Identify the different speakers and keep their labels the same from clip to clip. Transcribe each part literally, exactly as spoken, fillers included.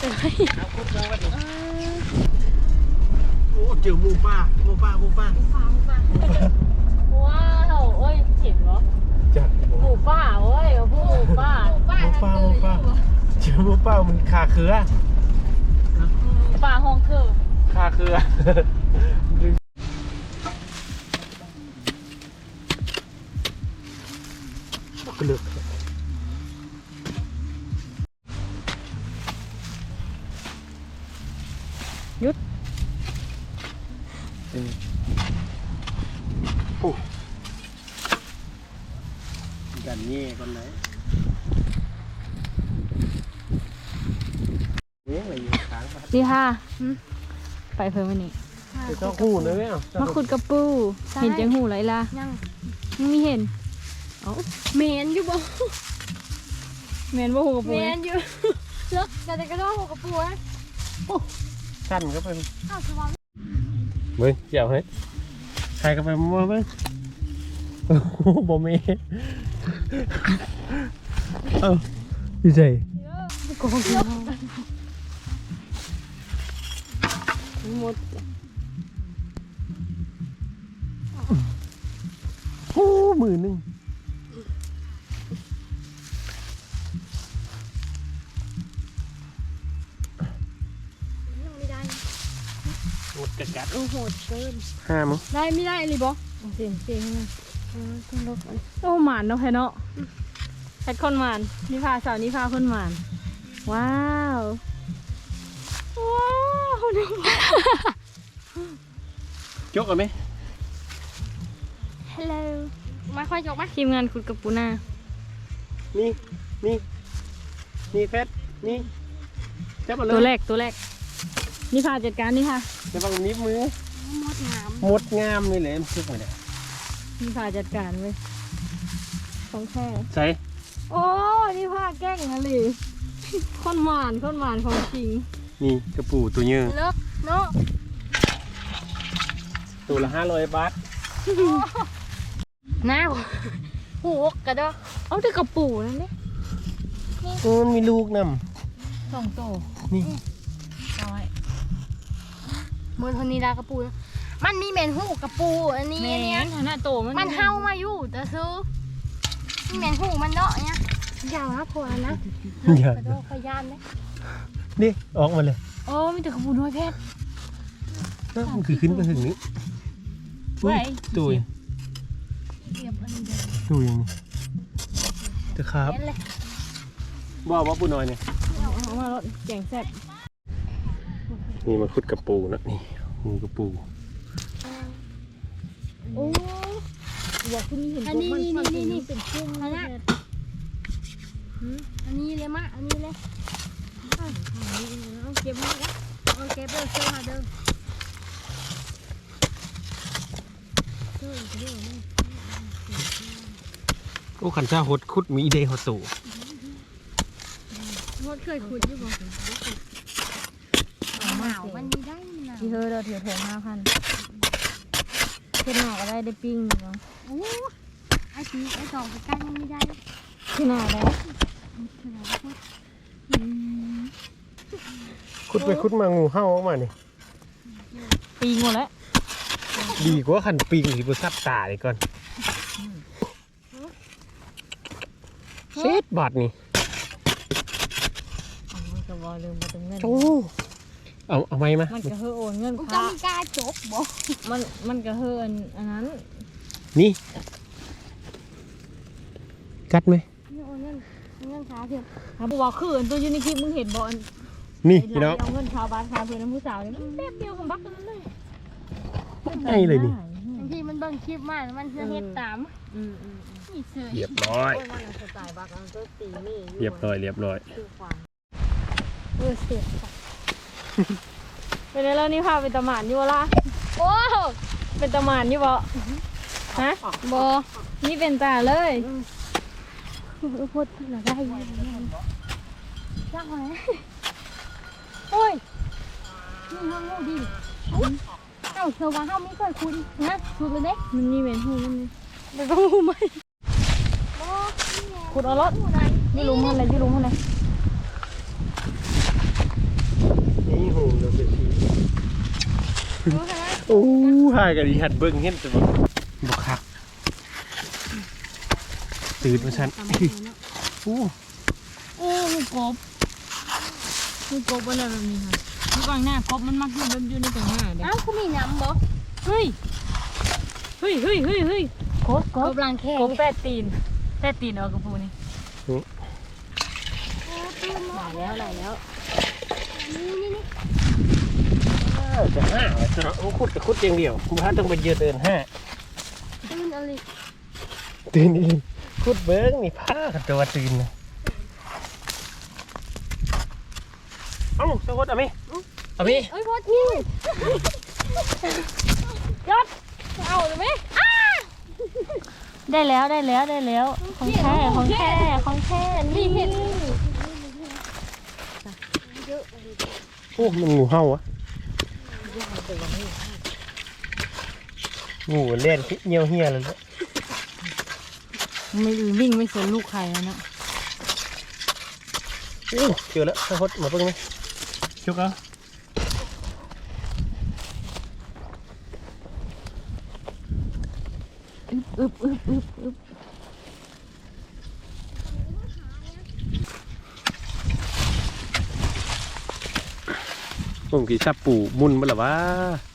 Speaker 1: เลยโอ้เจอหมูป่าหมูป่าหมูป่าหมูป่าหมูป่า
Speaker 2: ว้าวเอ้ยเห็นเหรอ
Speaker 1: จัด
Speaker 2: หมูป่าเอ้ยพวกหมูป่า
Speaker 1: หมูป่าหมูป่าเจอหมูป่ามันคาเครือ
Speaker 2: ป่าห้องคือ
Speaker 1: คาเครือกระเลือก
Speaker 2: ยุด
Speaker 1: โอ้กันเงี้ยคนไหนเนี้ยอะไรอยู่ค้าง
Speaker 2: ดีค่ะไปเพิ่มวันนี้
Speaker 1: จะต้องหูเลยไหมอ่ะ
Speaker 2: มาขุดกระปูเห็นจังหูไรล่ะยังยังไม่เห็นเอ้าเมนอยู่บ่เมนบ่หูกระปูเมนอยู่เลิกแต่แต่ก็ต้องหูกระปูนะ
Speaker 1: สั้นก็เป็นเบิ้งเจียวเฮ้ยใครก็ไปมั่วเบิ้งโอ้โหบ่เมเอ้าดีใจ
Speaker 2: หมด
Speaker 1: โอ้มือหนึ่งหมดกัดกัด
Speaker 2: โอ้โหเกิน
Speaker 1: ห้ามั้ง
Speaker 2: ได้ไม่ได้เลยบอเสียงเสียงโอ้หมานเนาะแค่เนาะแพทคนหมานนิพาสาวนิพาคนหมานว้าวว้าว
Speaker 1: จกกันไหม
Speaker 2: ฮัลโหลมาค่อยจกไหมทีมงานขุดกับปูนา
Speaker 1: นี่นี่นี่เพชรนี่จับมาเลย
Speaker 2: ตัวแรกตัวแรกนิพาจัดการนี่ค่ะ
Speaker 1: จะบังนิ้วมือ
Speaker 2: มดงาม
Speaker 1: มดงามนี่แหละมันซึกมาเนี่ย
Speaker 2: นิพาจัดการไว้ของแค่
Speaker 1: ใช่
Speaker 2: โอ้นิพาแกล้งอะไรคนหวานคนหวานของจริง
Speaker 1: นี่กระปูตัวเยอะ
Speaker 2: เลิกเนาะ
Speaker 1: ตัวละห้าร้อยบาท
Speaker 2: น้าหูกกระดอเอาแต่กระปูนั่นนี่
Speaker 1: มันมีลูกน
Speaker 2: ำสองโต
Speaker 1: นี่
Speaker 2: น้อยเมื่อทนี้ลากระปูมันมีเมนหูกระปูอันนี้เนี่ยหน้าโตมันมันเฮามาอยู่แต่ซื้อมีเมนหูมันเนาะเนี่ยยาวนะพวนะกระโดดขยานเลย
Speaker 1: นี่ออกมาเลย
Speaker 2: โอ้มีแต่กระปูน้อยเพชร
Speaker 1: มันคือขึ้นไปถึงนี้ตุยตุยตุยตะครับว่าว่าปูน้อยเนี่ย
Speaker 2: เอามาลดแกงแซ่บ
Speaker 1: นี่มาขุดกระปูนะนี่งูกระปู
Speaker 2: โอ้อยากคุณเห็นอันนี้นี่นี่นี่เป็นกุ้งนะเนี่ยอันนี้เลยมะอันนี้เลยเอาเก็บมาแล้วเอาเก็บเบอร์เซอร์มาเด้อ
Speaker 1: โอ้ขันชาหดขุดมีเดย์หดตู่
Speaker 2: หดเคยขุดอยู่บ่หนาวมันมีได้นะที่เธอเราถือถุงห้าพันเพื่อนหนาวก็ได้ได้ปิ้งเนาะโอ้ไอ้ทีไอ้สองไปใกล้มันไม่ได้ที่หนาวแล้ว
Speaker 1: ขุดไปขุดมางูเห่าออกมานี่
Speaker 2: ปีงหมดแล้ว
Speaker 1: ดีกว่าขันปีงหรือบุษับตาเลยก่อนเศษบาทนี่โอ้เอาเอาไหมมะ
Speaker 2: มันกระเฮือโอนเงินพระมันกล้าจบบ่มันมันกระเฮืออันนั้น
Speaker 1: นี่กัดไหม
Speaker 2: โอนเงินเงินขาเพียงเขาบอกว่าคือตัวยูนิคลิปมึงเห็นบ่อน
Speaker 1: นี่พี่น้อง
Speaker 2: เอาเงินชาวบ้านชาวเพื่อนน้ำผู้สาวนี่มันแป๊บเดียวของบักกันเลย
Speaker 1: ไงเลยนี่
Speaker 2: บางทีมันเบิ่งคลิปมากมันจะเฮ็ดตาม
Speaker 1: เรียบร้อยเรียบร้อยเรียบร้อย
Speaker 2: เออเสียเป็นไงแล้วนี่พาเป็นตะหมานอยู่วะล่ะโอ้เป็นตะหมานอยู่บ่ฮะบ่นี่เป็นตาเลยพูดหน่อยได้ยังยากไหมโอ้ยนี่ห้องงูดิเอ้าเธอว่าห้องไม่เคยคุ้นนะคุ้นเลยเด้มันนี่เป็นหูมันมันต้องหูไหมขุดเอารถที่ลุงเท่าไรที่ลุงเท่าไร
Speaker 1: โอ้หายกันดีหัดเบิ้งเห็นแต่บ่บ่คักตื่นมาฉันโอ้
Speaker 2: โอ้หูกบหูกบอะไรแบบนี้ค่ะดูกลางหน้ากบมันมักอยู่แบบอยู่ในกลางหน้าเด้
Speaker 3: เอ้าเขามีน้ำบ่
Speaker 2: เฮ้ยเฮ้ยเฮ้ยเฮ้ยเฮ้ยกบก
Speaker 3: ก
Speaker 2: บบ
Speaker 3: ลังแค่
Speaker 2: กบแปดตีนแปดตีนเอากระปูนี่
Speaker 3: หลายแล้วหลายแล้วนี่นี่นี่
Speaker 1: จะห้าจะเนาะโอ้คุดกับคุดอย่างเดียวคุณพระต้องไปเยือนเดินห้า
Speaker 3: ตื่นอะไร
Speaker 1: ตื่นอีกคุดเบิ้งนี่ผ้ากับตัวตื่นนะเอ้าสวัสดีอามิอามิ
Speaker 3: เอ้ยพอที่
Speaker 2: ยอดเอาเลยไหมได้แล้วได้แล้วได้แล้วของแท้ของแท้ของแท้นี่เห็น
Speaker 1: โอ้มันงูเห่าอะงูเล่นเงี้ยวเฮียเลยเนี่ย
Speaker 2: ไม่วิ่งไม่สนลูกใครแล้วนะ
Speaker 1: โอ้เจอแล้วสวัสดีมาเบิ้งไหมชุกเอา
Speaker 2: อึบอึบอึบอึบอึบ
Speaker 1: ผมกี่ชับปูมุนมาหรอวะ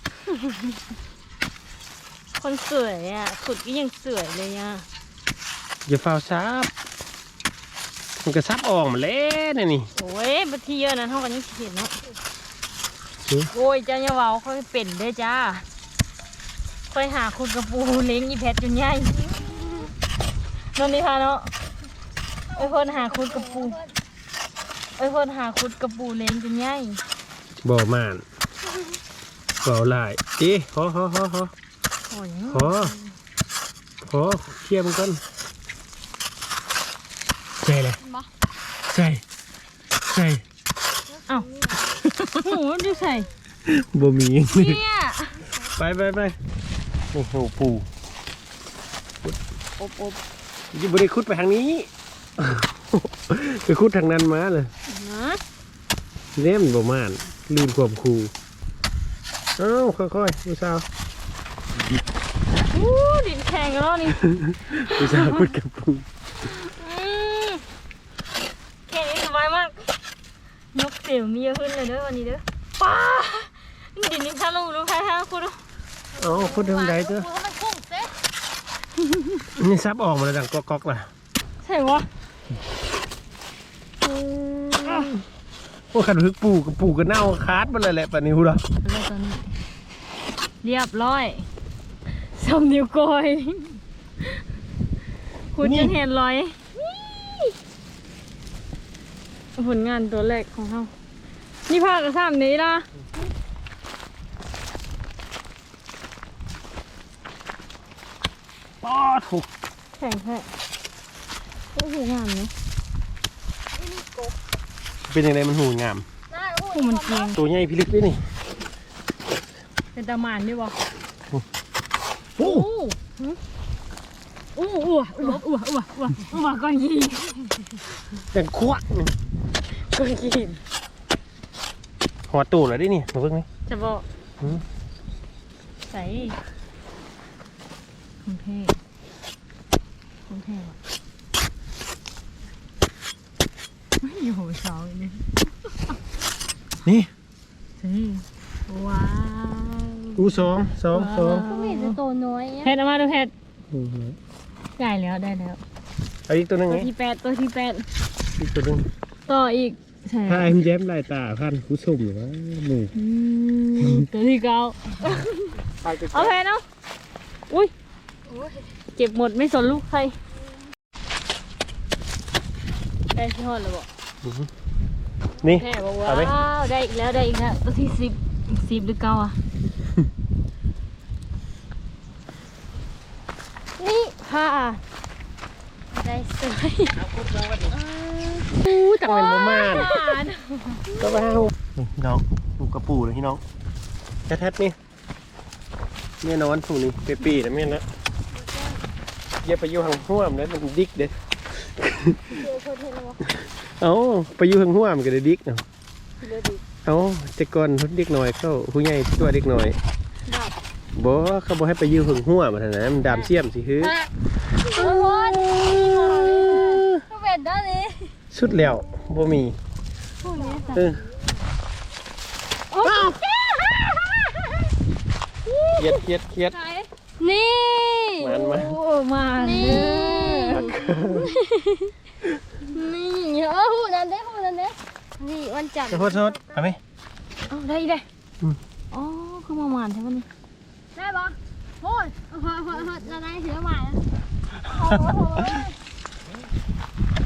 Speaker 2: คนสวยอ่ะขุดก็ยังสวยเลยอ่ะ
Speaker 1: อย่าฟาวซับมันก็ซับออกมาแล้วนี่นี่
Speaker 2: โอ้ยบัตรที่เยอะนะเท่ากันยังเห็นเนาะ
Speaker 1: หือ
Speaker 2: โอ้ยเจ้าเนี่ยเว้าค่อยเป็นเด้อจ้าค่อยหาคุณกระปูเล้งอีแพทจนใหญ่นั่นนี่ค่ะเนาะไอ้คนหาคุณกระปูไอ้คนหาคุณกระปูเล้งจนใหญ่
Speaker 1: บ่อม่านบ่อลายเอ๊ะขอขอขอขอ
Speaker 2: โอ้ย
Speaker 1: ขอขอเทียมกัน ใช่เลยใช่ใช่
Speaker 2: เอ้าหนูดูใส่
Speaker 1: บ่มี
Speaker 2: เนี่ย
Speaker 1: ไปไปไปโอ้โหปู
Speaker 2: อบอบ
Speaker 1: อยังไม่ได้คุดไปทางนี้ ไปคุดทางนั้นมาเลย
Speaker 2: นะ
Speaker 1: เล่มนบ่ม่านลืมความคูเอ้าค่อยๆผู้สาว
Speaker 2: อู้ดินแข็งแล้วนี่
Speaker 1: ผู้สาวคุดกับปู
Speaker 2: อืมแค่นี้สบายมากยกเสียงมีเยอะขึ้นเลยเด้อวันนี้เด้อป้าดินนี่ท่าลูกลูกใครท่าคุณ
Speaker 1: เอ้าคุดทางใดเจ้อ
Speaker 3: ดูมันพุ่งเซ่
Speaker 1: นี่ซับออกมาแล้วดังก๊อกๆล่ะ
Speaker 2: ใช่วะ
Speaker 1: โอ้ขันพึกปูกับปูกับเน่าคาดมาเลยแหละปะนิ้วละ
Speaker 2: แล้วตอนนี้เรียบร้อยสมนิ้วก้อยคุณจะเห็นรอยผลงานตัวแรกของเขานี่ภาคกระซ้ำนี้ละ
Speaker 1: ป้อถูก
Speaker 2: แข็งแค่โอ้โหงามเนาะ
Speaker 1: เป็นยังไงมันหูงาม
Speaker 3: น่า
Speaker 2: โอ้มันเกียง
Speaker 1: ตัวใหญ่พิลึกด้วยนี่
Speaker 2: เป็นตะหมานด้วยวะ
Speaker 1: โอ้
Speaker 2: อู้อู้อ้วอ้วอ้วอ้วอ้วอ้วก้อนยี
Speaker 1: ยังควักนี่
Speaker 2: ก้อนยี
Speaker 1: หัวตูดเลยดินี่มาเพิ่งไหม
Speaker 2: จะบอก
Speaker 1: หืม
Speaker 2: ใส่ของเท่ของเท่ว่ะไม่อยู่หัวเสาอีกนี่
Speaker 1: นี่
Speaker 2: สิว้าว
Speaker 1: อูสองสองสอง
Speaker 3: เขามีแต่ตัวน้อย
Speaker 2: เพชรเอามาดูเพชรได้แล้วได้แล้ว
Speaker 1: เอาอีกตัวหนึง
Speaker 2: ตัว
Speaker 1: ไง
Speaker 2: ที่แปดตัวที่แปด
Speaker 1: อีกตัวหนึง
Speaker 2: ต่ออีกใช่
Speaker 1: ถ้าไอ้มันแย้มลายตาพันผู้ชมหรือว่าหนู
Speaker 2: อืมตัวที่เก้าเอาเพชรเนาะอุ้ยเก็บหมดไม่สนลูกใครได้ที่หอดแล้วบอก
Speaker 1: นี่
Speaker 2: แม่บอกว่า
Speaker 1: เอาไหม
Speaker 2: ว้าวได้อีกแล้วได้อีกแล้วตัวที่สิบสิบหรือเก้าอ่ะ นี่ค่ะได้สวยอู้
Speaker 1: จังเป็นประมาณ
Speaker 2: หวาน
Speaker 1: ก็ไปห้านี่พี่น้องลูกกระปูเลยพี่น้องแท้ๆนี่แม่นอนผูนี่เปปีนะแม่นะอย่าไปอยู่ห่างห้วมนะมันดิกเด้ เอ้าไปอยู่ห่างห้วมก็ได้ดิกเนาะ
Speaker 2: เดี๋ยวดิ
Speaker 1: เอาแต่ก่อนเด็กน้อยเข้าผู้ใหญ่ตัวเด็กน้อยบ่เขาบ่ให้ไปยืมหึงหัวมาเท่านั้นมันดามเสียมสิคือ
Speaker 2: โอ้โหก็เป็นด้านนี้
Speaker 1: สุดแล้วบ่มี
Speaker 2: พูดนี้
Speaker 1: เออ
Speaker 2: โอ้ย
Speaker 1: เครียดเครียดเครียด
Speaker 2: นี่
Speaker 1: มันมา
Speaker 2: โอ้มานี่นี่เออหูนั่นเด้หูนั่นเด้นี่วันจันทร์
Speaker 1: โทษโทษเอาไหม
Speaker 2: เอาได้ได้
Speaker 1: อืม
Speaker 2: อ๋อคือมาหวานใช่ไหมนี่ได้ปะโอ้ยเฮ้ยเฮ้ยเฮ้ยเราได้ถือหวานโอ้โห